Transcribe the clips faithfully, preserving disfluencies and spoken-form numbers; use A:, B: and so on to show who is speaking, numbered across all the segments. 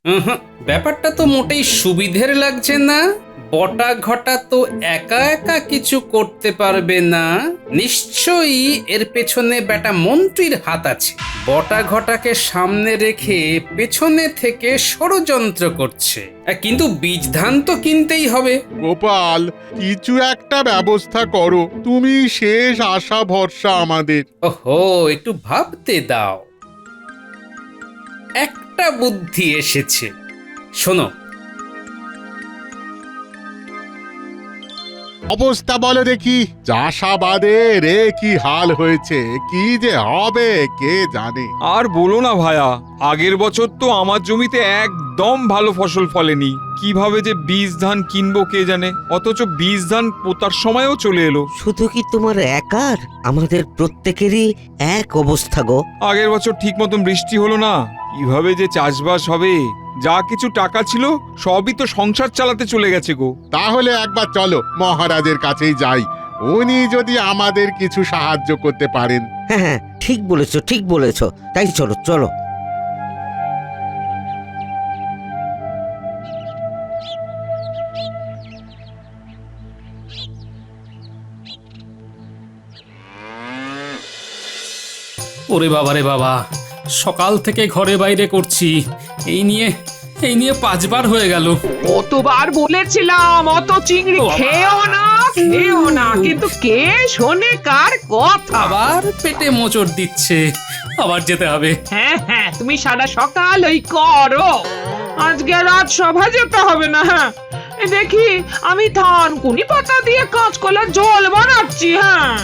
A: উহুঁ, ব্যাপারটা তো মোটেই সুবিধের লাগছে না। বটা ঘটা তো একা একা কিছু করতে পারবে না, নিশ্চয়ই এর পেছনে বেটা মন্ত্রীর হাত আছে। বটা ঘটাকে সামনে রেখে পেছনে থেকে ষড়যন্ত্র করছে। আহ, কিন্তু বীজ ধান তো কিনতেই হবে।
B: গোপাল, কিছু একটা ব্যবস্থা করো, তুমি শেষ আশা ভরসা আমাদের।
A: ওহো, একটু ভাবতে দাও। একটা বুদ্ধি এসেছে, শোনো।
B: অবস্থা বলো দেখি, চাষাবাদের রে কি হাল হয়েছে, কি যে হবে কে জানে।
C: আর বলো না ভায়া, আগের বছর তো আমার জমিতে একদম ভালো ফসল ফলেনি। কিভাবে যে বীজ ধান কিনবো কে জানে, অথচ বীজ ধান পোতার সময়ও চলে এলো।
D: শুধু কি তোমার একার, আমাদের প্রত্যেকেরই এক অবস্থা গো।
C: আগের বছর ঠিক মতন বৃষ্টি হলো না, কিভাবে যে চাষবাস হবে। যা কিছু টাকা ছিল সবই তো সংসার চালাতে চলে গেছে গো।
B: তাহলে একবার চলো মহারাজের কাছেই যাই, উনি যদি আমাদের কিছু সাহায্য করতে পারেন।
D: হ্যাঁ হ্যাঁ, ঠিক বলেছো ঠিক বলেছো, তাই চলো চলো।
A: ওরে বাবা রে বাবা, সকাল থেকে ঘরে বাইরে করছি, এই নিয়ে এই নিয়ে পাঁচবার হয়ে গেল।
E: কতবার বলেছিলাম অত চিংড়ি
A: ও বাবা।
E: খেও না খেও না, কিন্তু কে শোনে কার কথা।
A: আবার পেটে মোচড় দিচ্ছে, আবার যেতে হবে।
E: হ্যাঁ হ্যাঁ, তুমি সারা সকাল ওই করো, আজকে রাত সভা যেতে হবে না। হ্যাঁ, এই দেখি আমি ধান কুনি পাতা দিয়ে কাঁচকলার ঝোল বানাচ্ছি। হ্যাঁ,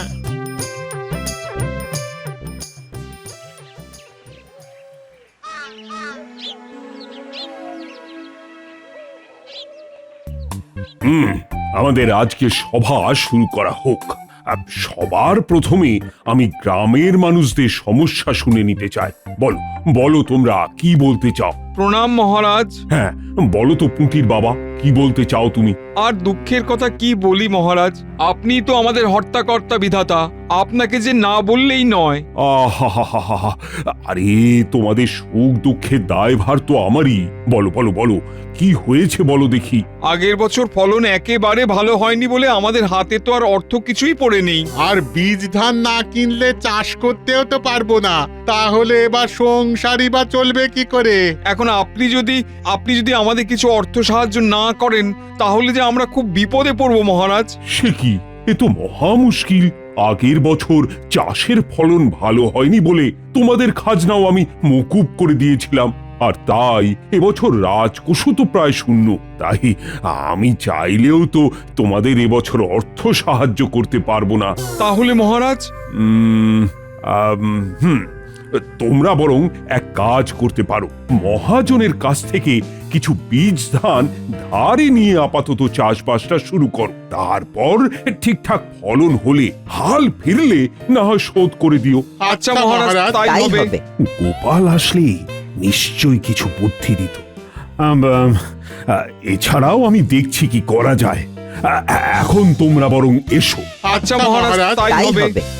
F: হুম আমাদের আজকে সভা শুরু করা হোক। আহ, সবার প্রথমে আমি গ্রামের মানুষদের সমস্যা শুনে নিতে চাই। বলো বলো তোমরা কি বলতে চাও?
C: প্রণাম মহারাজ।
F: হ্যাঁ বলো তো পুঁটির বাবা, কি বলতে চাও তুমি?
C: আর দুঃখের কথা কি বলি মহারাজ, আপনি তো আমাদের হর্তাকর্তা বিধাতা, আপনাকে যে না বললেই নয়।
F: আহা, আরে তোমাদের সুখ দুঃখের দায়ভার তো আমারই। বলো বলো বলো, কি হয়েছে বলো দেখি।
C: আগের বছর ফলন একেবারে ভালো হয়নি বলে আমাদের হাতে তো আর অর্থ কিছুই পড়ে নেই।
B: আর বীজ ধান না কিনলে চাষ করতেও তো পারবো না, তাহলে এবার সংসারই বা চলবে কি করে?
C: এখন আপনি যদি আপনি যদি আমাদের কিছু অর্থ সাহায্য না করেন, তাহলে যে আমরা খুব বিপদে পড়বো মহারাজ।
F: সে কি, এ তো মহা মুশকিল। আগের বছর চাষের ফলন ভালো হয়নি বলে তোমাদের খাজনাও আমি মকুব করে দিয়েছিলাম, আর তাই এবছর রাজকোষও তো প্রায় শূন্য। তাই আমি চাইলেও তো তোমাদের এবছর অর্থ সাহায্য করতে পারবো না।
C: তাহলে মহারাজ?
F: উম, আম, হুম তোমরা বরং এক কাজ করতে পারো, মহাজনের কাছ থেকে কিছু বীজ ধান ধারে নিয়ে আপাতত চাষবাসটা শুরু করো। তারপর ঠিকঠাক ফলন হলে, হাল ফিরলে না হয় শোধ করে দিও।
C: আচ্ছা মহারাজ, তাই
D: তাই
C: হবে।
D: হবে।
F: গোপাল আসলে নিশ্চয়ই কিছু বুদ্ধি দিত। আম, আম, আহ, এছাড়াও আমি দেখছি কি করা যায়। আ- এখন তোমরা বরং এসো।
C: আচ্ছা মহারাজ, তাই
D: তাই
C: হবে।
D: হবে।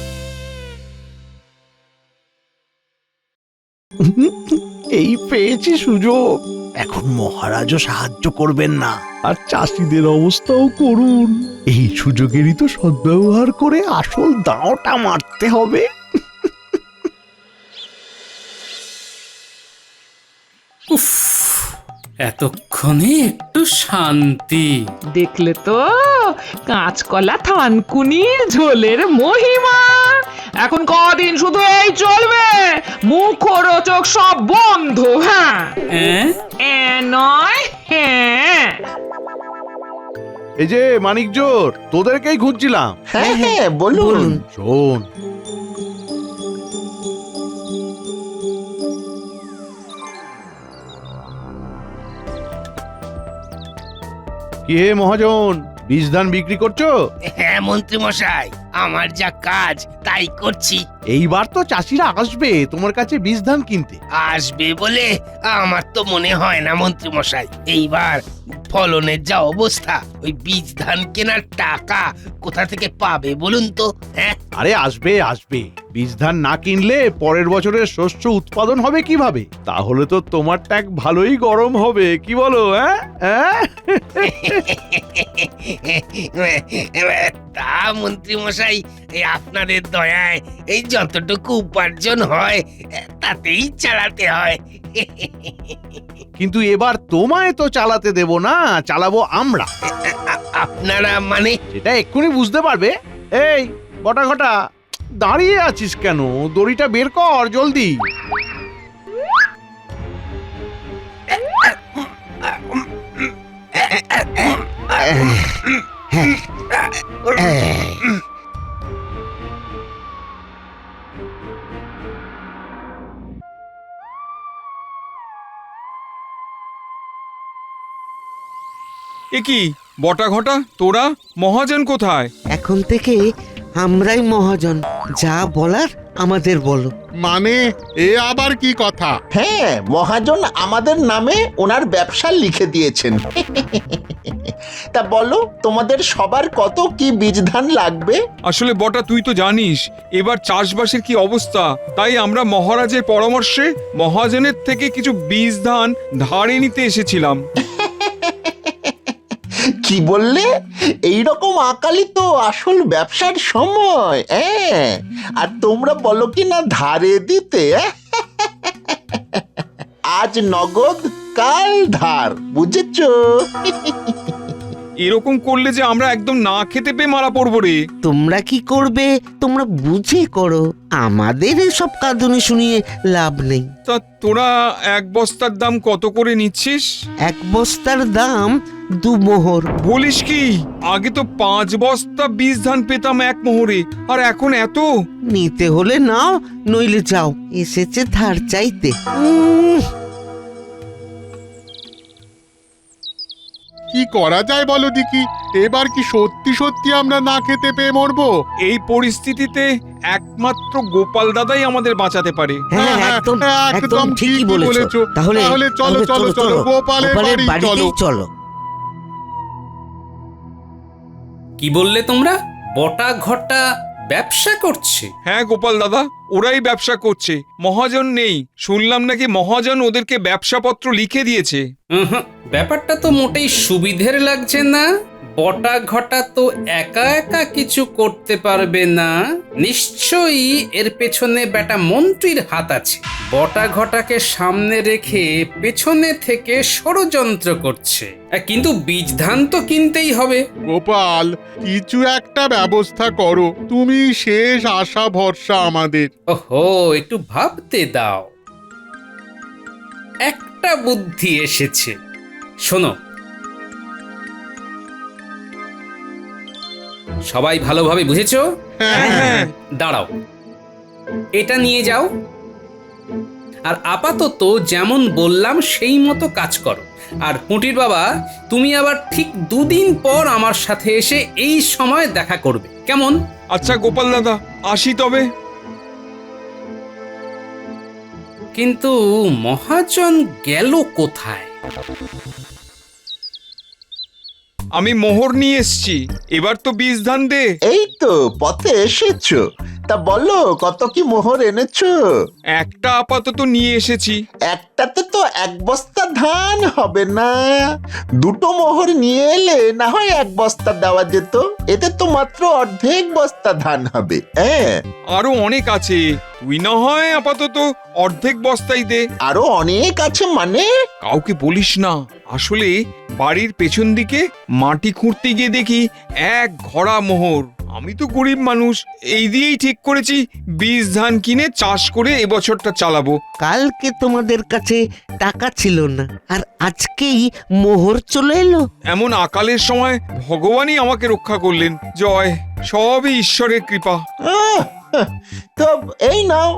G: এই পেয়েছি সুযোগ, এখন মহারাজও সাহায্য করবেন না, আর চাষিদের অবস্থাও করুন। এই সুযোগেরই তো সদ্ব্যবহার করে আসল দাঁওটা মারতে হবে।
A: উফ, এতক্ষণে একটু শান্তি।
E: দেখলে তো কাঁচকলা থানকুনির ঝোলের মহিমা। এখন কদিন শুধু এই চলবে, মুখরোচক সব বন্ধ। হ্যাঁ,
A: হ্যাঁ,
E: এ নয় হ্যাঁ।
G: এই যে মানিক জোর, তোদেরকেই খুঁজছিলাম।
D: হ্যাঁ হ্যাঁ, বলুন।
G: শোন, কি হে মহাজন, বীজ ধান বিক্রি করছো?
H: হ্যাঁ মন্ত্রী মশাই, আমার যা কাজ তাই করছি।
G: এইবার তো চাষিরা আসবে তোমার কাছে বীজ ধান কিনতে।
H: আসবে বলে আমার তো মনে হয় না মন্ত্রী মশাই। এইবার ফলনের যা অবস্থা, ওই বীজ ধান কেনার টাকা কোথা থেকে পাবে বলুন তো? হ্যাঁ,
G: আরে আসবে আসবে, বীজ ধান না কিনলে পরের বছরের শস্য উৎপাদন হবে কিভাবে? তাহলে তো তোমার ট্যাঙ্ক ভালোই গরম হবে, কি বলো? হ্যাঁ হ্যাঁ
H: তা মন্ত্রী মশাই, এই আপনাদের দয়ায় এই যতটুকু উপার্জন হয় তাতেই চালাতে হয়।
G: কিন্তু এবার তোমায় তো চালাতে দেব না, চালাবো আমরা।
H: আ- আপনারা মানে?
G: সেটা এক্ষুনি বুঝতে পারবে। এই বটা ঘটা, দাঁড়িয়ে আছিস কেন? দড়িটা বের কর জলদি।
C: এ কি বটা ঘটা, তোরা মহাজন কোথায়?
D: এখন থেকে আমরাই মহাজন, যা বলার আমাদের বলো।
B: মানে এ আবার কি কথা?
I: হ্যাঁ, মহাজন আমাদের নামে ওনার ব্যবসা লিখে দিয়েছেন। তা বলো, তোমাদের সবার কত কি বীজ ধান লাগবে?
C: আসলে বটা, তুই তো জানিস এবার চাষবাসের কি অবস্থা, তাই আমরা মহারাজের পরামর্শে মহাজনের থেকে কিছু বীজ ধান ধারে নিতে এসেছিলাম।
I: কি বললে? এইরকম আকালি তো আসল ব্যবসার সময়। হ্যাঁ, আর তোমরা বলো কি না ধারে দিতে? আজ নগদ, কাল ধার, বুঝেছো?
C: এরকম করলে যে আমরা একদম না খেতে পেয়ে মারা পড়বো রে।
D: তোমরা কি করবে তোমরা বুঝে করো, আমাদের এসব কাঁদুনি শুনিয়ে লাভ নেই।
C: তা তোরা এক বস্তার দাম কত করে নিচ্ছিস?
D: এক বস্তার দাম দু মোহর।
C: বলিস কি? আগে তো পাঁচ বস্তা বীজ ধান পেতাম এক মোহরে, আর এখন এত?
D: নিতে হলে নাও, নইলে যাও। এসেছে ধার চাইতে। উম,
B: কি করা যায় বলো দেখি? এবার কি সত্যি সত্যি আমরা না খেতে পেয়ে মরবো?
C: এই পরিস্থিতিতে একমাত্র গোপাল দাদাই আমাদের বাঁচাতে পারে।
D: হ্যাঁ
B: হ্যাঁ,
D: একদম
B: হ্যাঁ,
D: একদম
B: একদম
D: ঠিকই
B: ঠিকই
D: বলেছো।
B: বলেছো।
D: তাহলে
B: তাহলে চলো, চলো, চলো, গোপালের বাড়ি
D: বাড়িতেই
B: চলো।
D: চলো।
A: কি বললে তোমরা? বটা ঘটা ব্যবসা করছে?
C: হ্যাঁ গোপাল দাদা, ওরাই ব্যবসা করছে। মহাজন নেই, শুনলাম নাকি মহাজন ওদেরকে ব্যবসাপত্র লিখে দিয়েছে।
A: উহুঁ, ব্যাপারটা তো মোটেই সুবিধের লাগছে না। বটা ঘটা তো একা একা কিছু করতে পারবে না, নিশ্চয়ই এর পেছনে বেটা মন্ত্রীর হাত আছে। বটা ঘটাকে সামনে রেখে পেছনে থেকে ষড়যন্ত্র করছে। আহ, কিন্তু বীজ ধান তো কিনতেই হবে।
B: গোপাল, কিছু একটা ব্যবস্থা করো, তুমি শেষ আশা ভরসা আমাদের।
A: ওহো, একটু ভাবতে দাও। একটা বুদ্ধি এসেছে, শোনো। সবাই ভালোভাবে বুঝেছো?
B: হ্যাঁ, হ্যাঁ।
A: দাঁড়াও, এটা নিয়ে যাও, আর আপাতত যেমন বললাম সেই মতো কাজ করো। আর পুঁটির বাবা, তুমি আবার ঠিক দুদিন পর আমার সাথে এসে এই সময় দেখা করবে, কেমন?
C: আচ্ছা গোপাল দাদা, আসি তবে।
A: কিন্তু মহাজন গেল কোথায়?
C: আমি মোহর নিয়ে এসছি, এবার তো বীজ ধান দে।
I: এই তো পথে এসেছো। তা বলো, কত কি মোহর এনেছো?
C: একটা আপাতত নিয়ে এসেছি।
I: একটাতে তো এক বস্তা ধান হবে না, দুটো মোহর নিয়ে এলে না হয় এক বস্তা দেওয়া যেত। এতে তো মাত্র অর্ধেক বস্তা ধান হবে। হ্যাঁ,
C: আরো অনেক আছে, তুই না হয় আপাতত অর্ধেক বস্তাই দে।
I: আরো অনেক আছে মানে?
C: কাউকে বলিস না। আসলে বাড়ির পেছন দিকে মাটি খুঁড়তে গিয়ে দেখি এক ঘোড়া মোহর। আমি তো গরিব মানুষ, এই দিয়েই ঠিক করেছি বীজ ধান কিনে চাষ করে এবছরটা চালাবো।
D: কালকে তোমাদের কাছে টাকা ছিল না, আর আজকেই মোহর চলে এলো।
C: এমন আকালের সময় ভগবানই আমাকে রক্ষা করলেন। জয়, সবই ঈশ্বরের কৃপা।
I: আহ, তো এই নাও।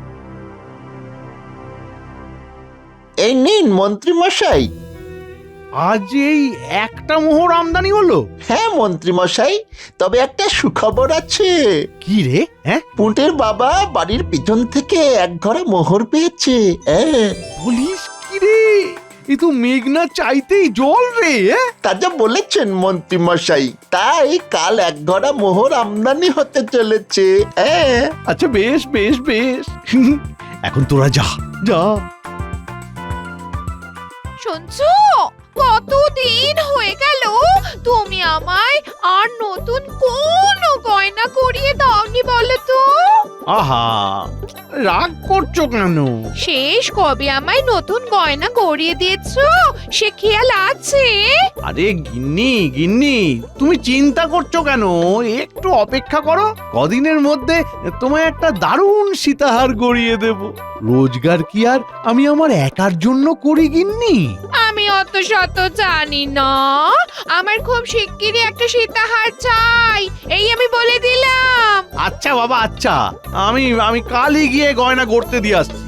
I: এই নিন মন্ত্রী মশাই।
G: আজ এই একটা মোহর আমদানি হলো?
I: হ্যাঁ মন্ত্রী মশাই, তবে একটা সুখবর আছে।
G: কি রে? হ্যাঁ,
I: পুঁটের বাবা বাড়ির পিছন থেকে এক ঘরে মোহর পেয়েছে। হ্যাঁ,
G: বলিস কি রে? এ তো মেঘনা চাইতেই জল রে। হ্যাঁ,
I: তা যা বলেছেন মন্ত্রী মশাই, তাই কাল এক ঘরা মোহর আমদানি হতে চলেছে। হ্যাঁ,
G: আচ্ছা বেশ বেশ বেশ। এখন তোরা যা যা।
J: শুনছো, কতদিন হয়ে গেল তুমি আমায় আর নতুন কোন গয়না করিয়ে দাওনি বলো তো?
G: আহা, রাগ করছো কেন?
J: শেষ কবে আমায় নতুন গয়না করিয়ে দিয়েছো সে খেয়াল আছে?
G: আরে গিন্নি গিন্নি, তুমি চিন্তা করছো কেন? একটু অপেক্ষা করো, কদিনের মধ্যে তোমায় একটা দারুণ সীতাহার গড়িয়ে দেব। রোজগার কি আর আমি আমার একার জন্য করি গিন্নি?
J: আমি অত শত জানি না, আমার খুব শিগগিরই একটা সীতাহার চাই, এই আমি বলে দিলাম।
G: আচ্ছা বাবা আচ্ছা, আমি আমি কালই গিয়ে গয়না গড়তে দিয়ে আসছি।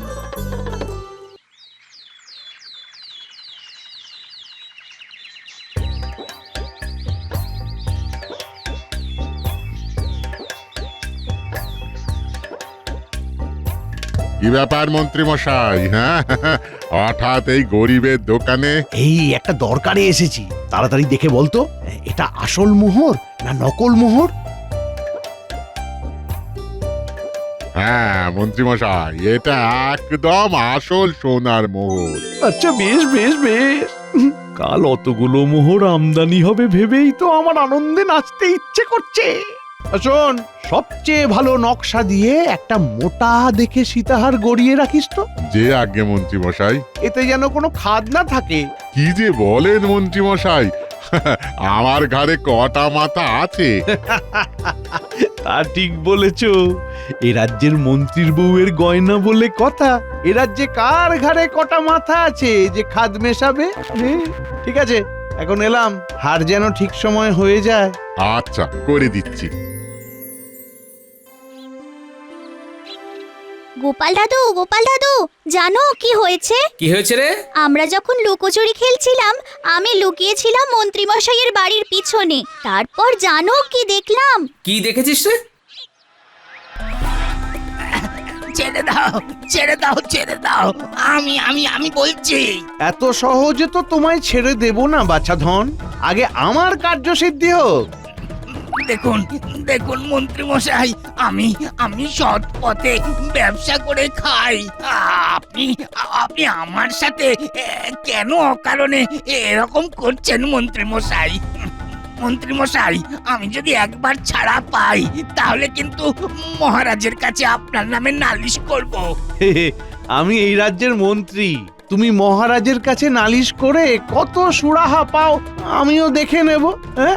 B: কি ব্যাপার মন্ত্রী মশাই? হ্যাঁ, হঠাৎ এই গরিবের দোকানে?
G: এই একটা দরকারে এসেছি, তাড়াতাড়ি দেখে বলতো এটা আসল মোহর না নকল মোহর?
B: হ্যাঁ মন্ত্রী মশাই, এটা একদম আসল সোনার মোহর।
G: আচ্ছা বেশ বেশ বেশ। কাল অতগুলো মোহর আমদানি হবে ভেবেই তো আমার আনন্দে নাচতে ইচ্ছে করছে। শোন, সবচেয়ে ভালো নকশা দিয়ে একটা মোটা দেখে সীতাহার গড়িয়ে রাখিস তো।
B: যে আজ্ঞে মন্ত্রী মশাই।
G: এতে যেন কোনো খাদ না থাকে।
B: কি যে বলেন মন্ত্রী মশাই, আমার ঘরে কটা মাথা আছে?
G: তা ঠিক বলেছ, এ রাজ্যের মন্ত্রীর বউয়ের গয়না বলে কথা। এ রাজ্যে কার ঘরে কটা মাথা আছে যে খাদ মেশাবে? হে, ঠিক আছে, এখন এলাম, হার যেন ঠিক সময় হয়ে যায়।
B: আচ্ছা, করে দিচ্ছি।
K: গোপাল দাদু, গোপাল দাদু, জানো কি হয়েছে?
A: কি হয়েছে রে?
K: আমরা যখন লুকোচুরি খেলছিলাম, আমি লুকিয়েছিলাম মন্ত্রী মশাইয়ের বাড়ির পিছনে। তারপর জানো কি দেখলাম?
A: কি দেখেছিস রে?
H: ছেড়ে দাও ছেড়ে দাও ছেড়ে দাও, আমি আমি আমি বলছি।
G: এত সহজে তো তোমায় ছেড়ে দেব না বাছাধন, আগে আমার কার্যসিদ্ধি হোক।
H: দেখুন দেখুন মন্ত্রী মশাই, আমি আমি সৎ পথে ব্যবসা করে খাই। আপনি আপনি আমার সাথে এ, কেন অকারণে এরকম করছেন মন্ত্রী মশাই? মন্ত্রী মশাই, আমি যদি একবার ছাড়া পাই তাহলে কিন্তু মহারাজের কাছে আপনার নামে নালিশ করব।
G: হে হে, আমি এই রাজ্যের মন্ত্রী, তুমি মহারাজের কাছে নালিশ করে কত সুরাহা পাও আমিও দেখে নেব। হ্যাঁ?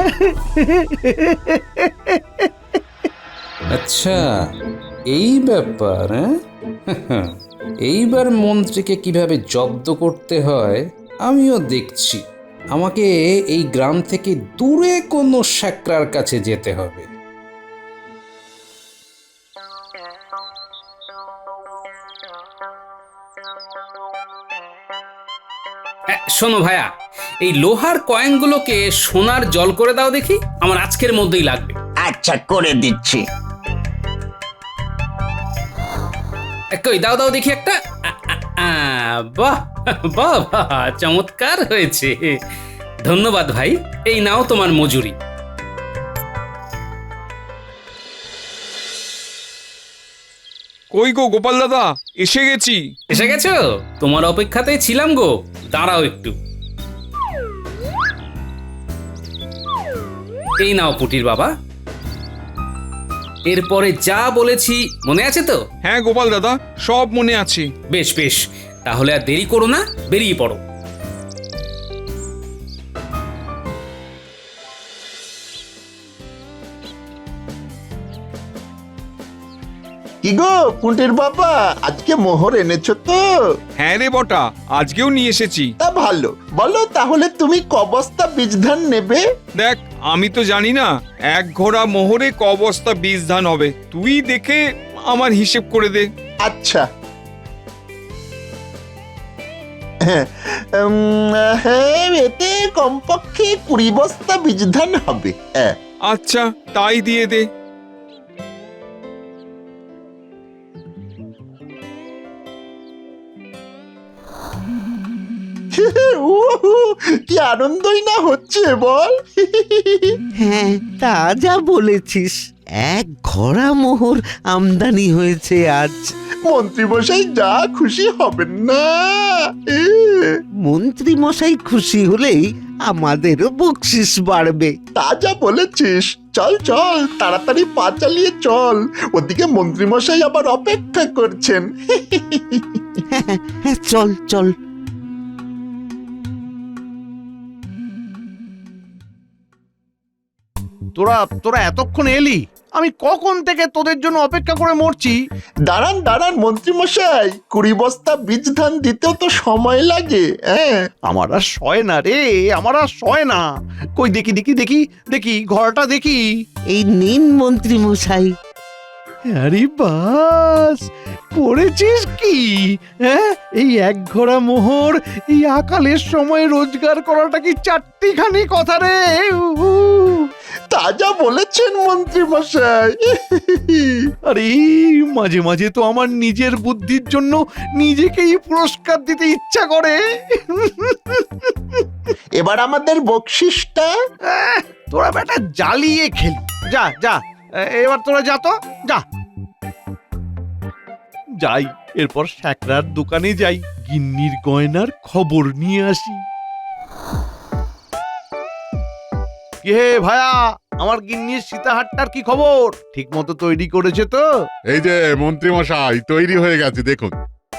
A: আচ্ছা, এই ব্যাপার। হ্যাঁ, এইবার মন্ত্রীকে কিভাবে জব্দ করতে হয় আমিও দেখছি। আমাকে এই গ্রাম থেকে দূরে কোনো শ্যাকরার কাছে যেতে হবে। হ্যাঁ, শোনো ভাইয়া, এই লোহার কয়েনগুলোকে সোনার জল করে দাও দেখি, আমার আজকের মধ্যেই লাগবে।
I: আচ্ছা, করে দিচ্ছি।
A: কই দাও দাও দেখি একটা। আ, আ, আ, বাহ বাহ বাহ, চমৎকার হয়েছে। ধন্যবাদ ভাই, এই নাও তোমার মজুরি।
C: কই গো গোপাল দাদা, এসে গেছি।
A: এসে গেছো? তোমার অপেক্ষাতেই ছিলাম গো, দাঁড়াও একটু। এই নাও পুটির বাবা, এরপরে যা বলেছি মনে আছে তো?
C: হ্যাঁ গোপাল দাদা, সব মনে আছে।
A: বেশ বেশ, তাহলে আর দেরি করো না, বেরিয়ে পড়ো।
I: কি গো পুঁটির বাবা, আজকে মোহর এনেছো তো?
C: হ্যাঁ রে বটা, আজকেও নিয়ে এসেছি।
I: তা ভালো, বলো তাহলে তুমি ক বস্তা বীজ ধান নেবে?
C: দেখ, আমি তো জানি না এক ঘোড়া মোহরে ক বস্তা বীজ ধান হবে, তুই দেখে আমার হিসেব করে দে।
I: আচ্ছা। হ্যাঁ, উম, হ্যাঁ এতে কমপক্ষে কুড়ি বস্তা বীজ ধান হবে। হ্যাঁ
C: আচ্ছা তাই দিয়ে দে।
I: উহু, কি আনন্দই না হচ্ছে বল।
D: হ্যাঁ তা যা বলেছিস, এক ঘোড়া মোহর আমদানি হয়েছে আজ।
I: মন্ত্রী মশাই যা খুশি হবেন না। এ,
D: মন্ত্রী মশাই খুশি হলেই আমাদেরও বকশিস বাড়বে।
I: তা যা বলেছিস। চল চল তাড়াতাড়ি পা চালিয়ে চল, ওদিকে মন্ত্রী মশাই আবার অপেক্ষা করছেন।
D: হ্যাঁ চল চল।
G: তোরা তোরা এতক্ষণ এলি, আমি কখন থেকে তোদের জন্য অপেক্ষা করে মরছি।
I: দাঁড়ান দাঁড়ান মন্ত্রী মশাই, কুড়ি বস্তা বীজ ধান দিতেও তো সময় লাগে। হ্যাঁ
G: আমার আর সয় না রে, আমার আর সয় না। কই দেখি দেখি দেখি দেখি ঘরটা দেখি।
D: এই নিন মন্ত্রী মশাই।
G: আরে বাস, করেছিস কি? হ্যাঁ, এই এক ঘোড়া মোহর এই আকালের সময় রোজগার করাটা কি চারটিখানি কথা রে? উহু।
I: তা যা বলেছেন মন্ত্রী মশাই।
G: আরে মাঝে মাঝে তো আমার নিজের বুদ্ধির জন্য নিজেকেই পুরস্কার দিতে ইচ্ছা করে।
I: এবার আমাদের বকশিসটা।
G: আহ, তোরা বেটা জ্বালিয়ে খেলি। যা যা, এ- এবার তোরা যা তো, যা। যাই, এরপর শ্যাকরার দোকানে যাই, গিন্নির গয়নার খবর নিয়ে আসি। কি হে ভায়া, আমার গিন্নির সীতাহারটার কি খবর? ঠিক মতো তৈরি করেছে তো?
B: এই যে মন্ত্রী মশাই তৈরি হয়ে গেছে, দেখুন।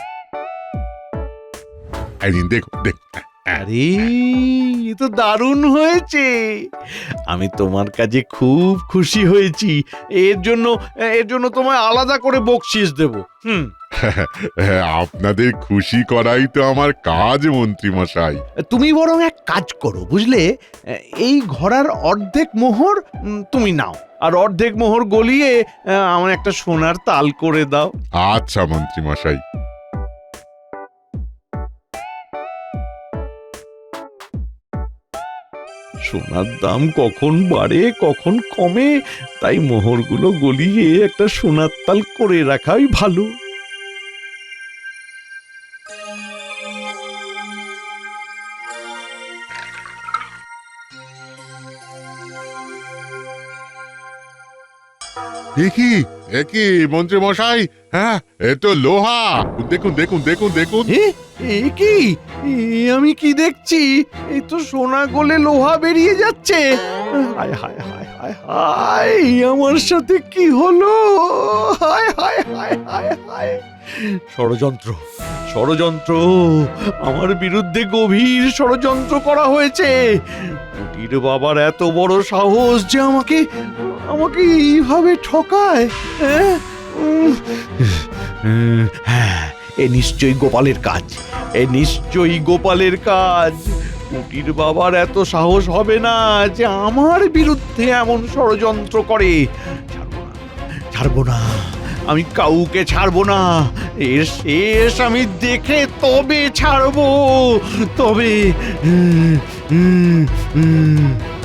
B: এই নিন, দেখুন দেখুন।
G: আরে এ তো দারুণ হয়েছে। আমি তোমার কাজে খুব খুশি হয়েছি। এর জন্য এর জন্য তোমায় আলাদা করে বকশিস দেব। হুম,
B: হ্যাঁ, আপনাদের খুশি করাই তো আমার কাজ মন্ত্রী মশাই।
G: তুমি বরং এক কাজ করো, বুঝলে, এই ঘোড়ার অর্ধেক মোহর উম, তুমি নাও, আর অর্ধেক মোহর গলিয়ে আহ, আমার একটা সোনার তাল করে দাও।
B: আচ্ছা মন্ত্রী মশাই।
G: সোনার দাম কখন বাড়ে কখন কমে, তাই মোহরগুলো গলিয়ে একটা সোনার তাল করে রাখাই ভালো।
B: দেখি দেখি মন্ত্রী মশাই, হ্যাঁ এ তো লোহা। দেখুন দেখুন দেখুন দেখুন।
G: এ এ কি? এ আমি কি দেখছি? এই তো সোনা গলে লোহা বেরিয়ে যাচ্ছে। হায় হায় হায় হায় হায়, আমার সাথে কি হলো? হায় হায় হায় হায় হায়। ষড়যন্ত্র, ষড়যন্ত্র, আমার বিরুদ্ধে গভীর ষড়যন্ত্র করা হয়েছে। কুটির বাবার এত বড় সাহস যে আমাকে আমাকে এইভাবে ঠকায়। হ্যাঁ উম, উম, হ্যাঁ, এ নিশ্চয়ই গোপালের কাজ, এ নিশ্চয়ই গোপালের কাজ। কুটির বাবার এত সাহস হবে না যে আমার বিরুদ্ধে এমন ষড়যন্ত্র করে। ছাড়বো না, ছাড়বো না, আমি কাউকে ছাড়বো না। এর শেষ আমি দেখে তবে ছাড়বো, তবে। উম, উম, উম।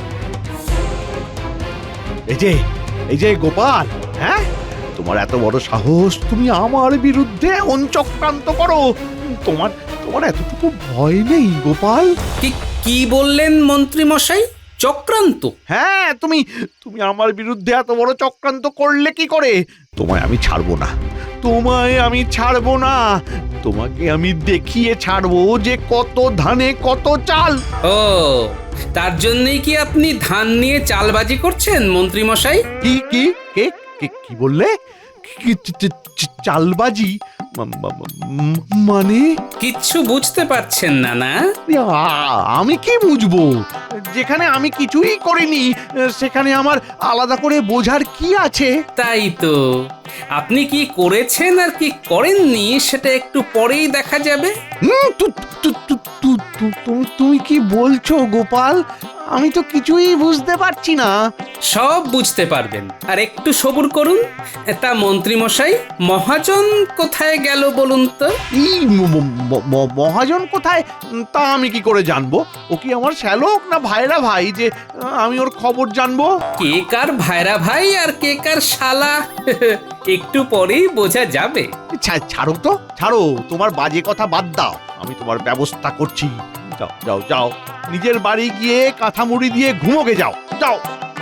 G: এই যে এই যে গোপাল, হ্যাঁ, তোমার এত বড় সাহস, তুমি আমার বিরুদ্ধে এমন চক্রান্ত করো। তোমার তোমার এতটুকু ভয় নেই গোপাল?
A: কি কি বললেন মন্ত্রী মশাই? চক্রান্ত?
G: হ্যাঁ, তুমি তুমি আমার বিরুদ্ধে এত বড় চক্রান্ত করলে কি করে? তোমায় আমি ছাড়বো না, তোমায় আমি ছাড়বো না। তোমাকে আমি দেখিয়ে ছাড়বো যে কত ধানে কত চাল।
A: ও, তার জন্যই কি আপনি ধান নিয়ে চালবাজি করছেন মন্ত্রী মশাই?
G: কি কি কে কে কি বললে? কি চ- চ- চ- চালবাজি? মা- মা- মা- মানে
A: কিচ্ছু বুঝতে পারছেন না না?
G: আ- আমি কি বুঝবো? যেখানে আমি কিছুই করিনি সেখানে আমার আলাদা করে বোঝার কি আছে?
A: তাই তো, আপনি কি করেছেন আর কি করেননি সেটা একটু পরেই দেখা যাবে।
G: হুম, তু- তু- তু- তু- তু- তুমি তুমি কি বলছো গোপাল? আমি তো কিছুই বুঝতে পারছি না।
A: সব বুঝতে পারবেন, আর একটু সবুর করুন। তা মন্ত্রী মশাই, মহাজন কোথায় গেল বলুন তো?
G: এই ম- ম- ম- মহাজন কোথায় উম, তা আমি কি করে জানবো? ও কি আমার শ্যালক না ভাইরা ভাই যে আহ, আমি ওর খবর জানবো?
A: কে কার ভাইরা ভাই আর কে কার শালা একটু পরেই বোঝা যাবে।
G: ছা- ছাড়ো তো, ছাড়ো, তোমার বাজে কথা বাদ দাও, আমি তোমার ব্যবস্থা করছি। যাও যাও যাও, নিজের বাড়ি গিয়ে কাঁথা মুড়ি দিয়ে ঘুমোগে যাও যাও।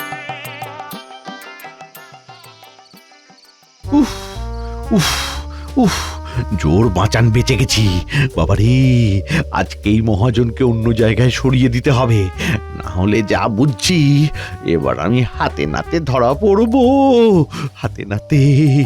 G: উফ উফ উফ, জোর বাঁচান, বেঁচে গেছি। বাবারে, আজকেই মহাজনকে অন্য জায়গায় সরিয়ে দিতে হবে, না হলে যা বুঝছি এবার আমি হাতে নাতে ধরা পড়বো, হাতে নাতে।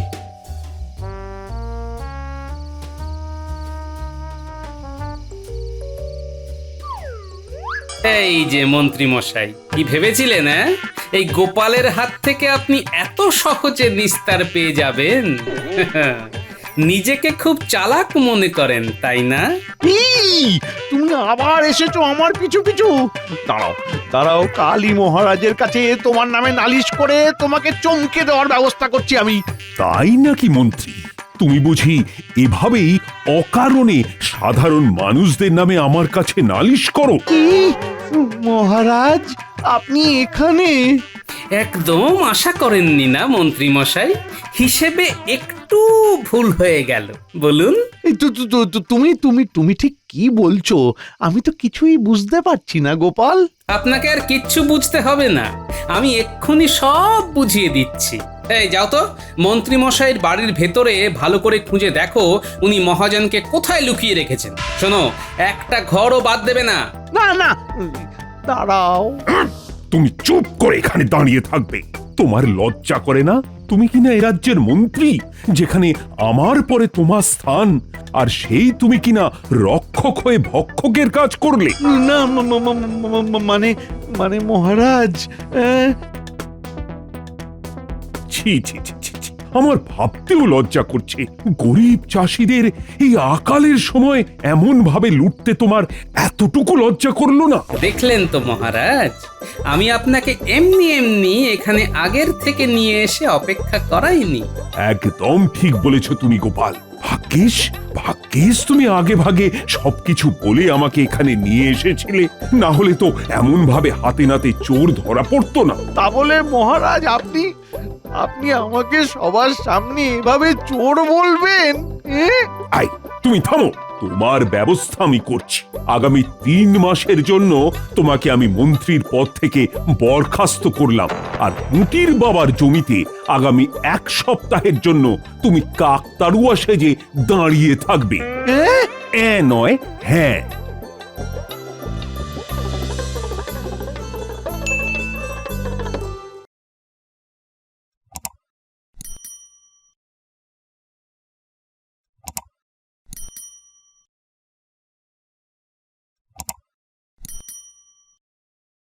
A: এই যে মন্ত্রী মশাই, কি ভেবেছিলেন হ্যাঁ? এই গোপালের হাত থেকে আপনি এত সহজে নিস্তার পেয়ে যাবেন? নিজেকে খুব চালাক মনে করেন তাই না?
G: এই, তুমি আবার এসেছো আমার পিছু পিছু। দাঁড়াও দাঁড়াও, কালী মহারাজের কাছে তোমার নামে নালিশ করে তোমাকে চমকে দেওয়ার ব্যবস্থা করছি আমি।
F: তাই নাকি মন্ত্রী? তুমি বুঝি এভাবেই অকারণে সাধারণ মানুষদের নামে আমার কাছে নালিশ করো?
G: কি মহারাজ, আপনি এখানে?
A: একদম আশা করেননি না মন্ত্রী মশাই? হিসেবে একটু ভুল হয়ে গেল বলুন।
G: এই তু- তু- তু- তু- তুমি তুমি তুমি ঠিক কি বলছো? আমি তো কিছুই বুঝতে পারছি না গোপাল।
A: আপনাকে আর কিচ্ছু বুঝতে হবে না, আমি এক্ষুনি সব বুঝিয়ে দিচ্ছি। এই যাও তো, মন্ত্রী মশাইয়ের বাড়ির ভেতরে ভালো করে খুঁজে দেখো উনি মহাজনকে কোথায় লুকিয়ে রেখেছেন। শোনো, একটা ঘরও বাদ দেবে না।
G: না না, দাঁড়াও।
F: তুমি চুপ করে এখানে দাঁড়িয়ে থাকবে। তোমার লজ্জা করে না? তুমি কিনা এ রাজ্যের মন্ত্রী, যেখানে আমার পরে তোমার স্থান, আর সেই তুমি কিনা রক্ষক হয়ে ভক্ষকের কাজ করলে।
G: না ম- ম- ম- ম- ম- মানে মানে মহারাজ, আহ,
F: ছি ছি ছি ছি ছি। আমার ভাবতেও লজ্জা করছে। গরিব চাষিদের এই আকালের সময় এমন ভাবে লুটতে তোমার এতটুকু লজ্জা করলো না?
A: দেখলেন তো মহারাজ, আমি আপনাকে এমনি এমনি এখানে আগের থেকে নিয়ে এসে অপেক্ষা করাইনি।
F: একদম ঠিক বলেছ তুমি গোপাল। ভাগ্যিস ভাগ্যিস তুমি আগে ভাগে সবকিছু বলে আমাকে এখানে নিয়ে এসেছিলে, না হলে তো এমন ভাবে হাতে নাতে চোর ধরা পড়তো না।
G: তা বলে মহারাজ আপনি আপনি আমাকে সবার সামনে এভাবে চোর বলবেন? এ?
F: আই, তুমি থামো, তোমার ব্যবস্থা আমি করছি। আগামী তিন মাসের জন্য তোমাকে আমি মন্ত্রীর পদ থেকে বরখাস্ত করলাম, আর মুটির বাবার জমিতে আগামী এক সপ্তাহের জন্য তুমি কাকতাড়ুয়া সেজে দাঁড়িয়ে থাকবে।
G: এ?
F: এ নয় হ্যাঁ।